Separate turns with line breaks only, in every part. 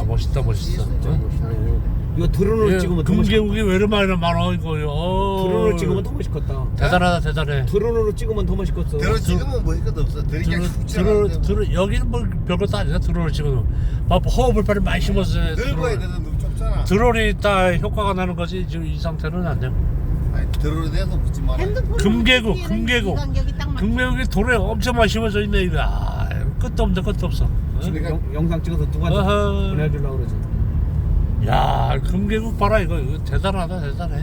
멋있다 멋있어.
이거 드론으로 찍으면 더 멋있겠다.
금계국이 왜 이렇게 많아 이거요.
드론으로 찍으면 더 멋있겠다.
대단하다 대단해.
드론으로 찍으면 더 멋있겠어.
드론 찍으면 뭐 것도 없어.
드론 여기는 뭐 별것도 아니야. 드론을 찍어도 막 허허벌판을 많이 심었어요.
넓어야 되는 너무 좁잖아.
드론이 딱 효과가 나는 거지. 지금 이 상태는 안 돼.
아니 드론에 대해서 묻지 마라.
금계국 금계국이 돌에 엄청 많이 심어져 있네 이거. 아, 끝도 없네 끝도 없어.
지금 영상 찍어서 누구한테
어허.
보내주려고 그러지.
야 금계국 봐라 이거 대단하다 대단해.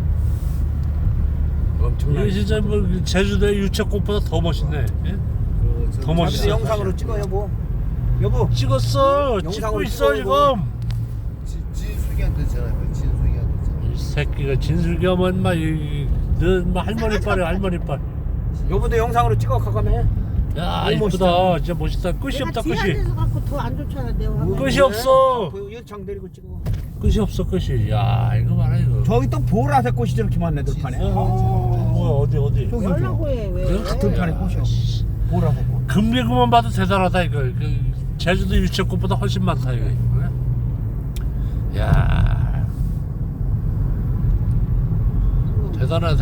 엄청나게.
이거 진짜 뭐 제주도의 유채꽃보다 더 멋있네. 예? 더 멋있어.
영상으로 찍어 여보. 여보
찍었어. 찍고
영상으로
있어
찍어,
지금.
진숙이한테 전화해. 진숙이한테 전화.
이 새끼가 진술겸은 너뭐 할머니 빨이야 할머니 빨.
여보도 영상으로 찍어 가가면.
야
너무
이쁘다 진짜 멋있다. 끝이 없다 끝이.
지하에서 갖고 더 안 좋잖아 내 화면.
끝이 없어.
여창 데리고 찍어.
끝이 없어 끝이. 야 이거 봐라 이거.
저기 또 보라색 꽃이 저렇게 많네 들판에.
뭐야 어디
저기
뭐라고 해 왜?
들판에 꽃이요. 보라색 꽃.
금계구만 봐도 대단하다 이거. 제주도 유채꽃보다 훨씬 많다 이거. 야 대단해.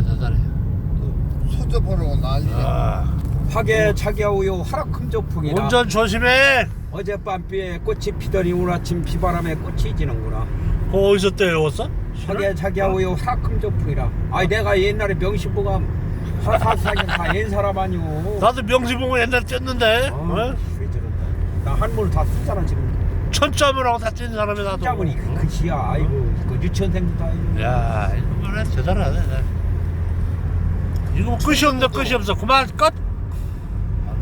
소접하라고 난리야.
아,
화개차기하오요 하락금조풍이라.
운전 조심해.
어젯밤비에 꽃이 피더니 오늘 아침 비바람에 꽃이 지는구나.
그거 어디서 떼어왔어?
화개차기하오요 하락금조풍이라. 아이 내가 옛날에 명심보가 화사사기 다 옛 사람 아니오.
나도 명지봉을 옛날에 뗐는데. 어?
왜 저런다. 나 한물 다 쓰잖아 지금.
천점을 하고 다 뛴 사람이 나도.
짜보니 그 글씨야. 아이고 그 유치원생도 다 아이고.
야 이거 뭐래 대단하네. 이거 뭐 끝이 없네 끝이 없어. 그만 끝.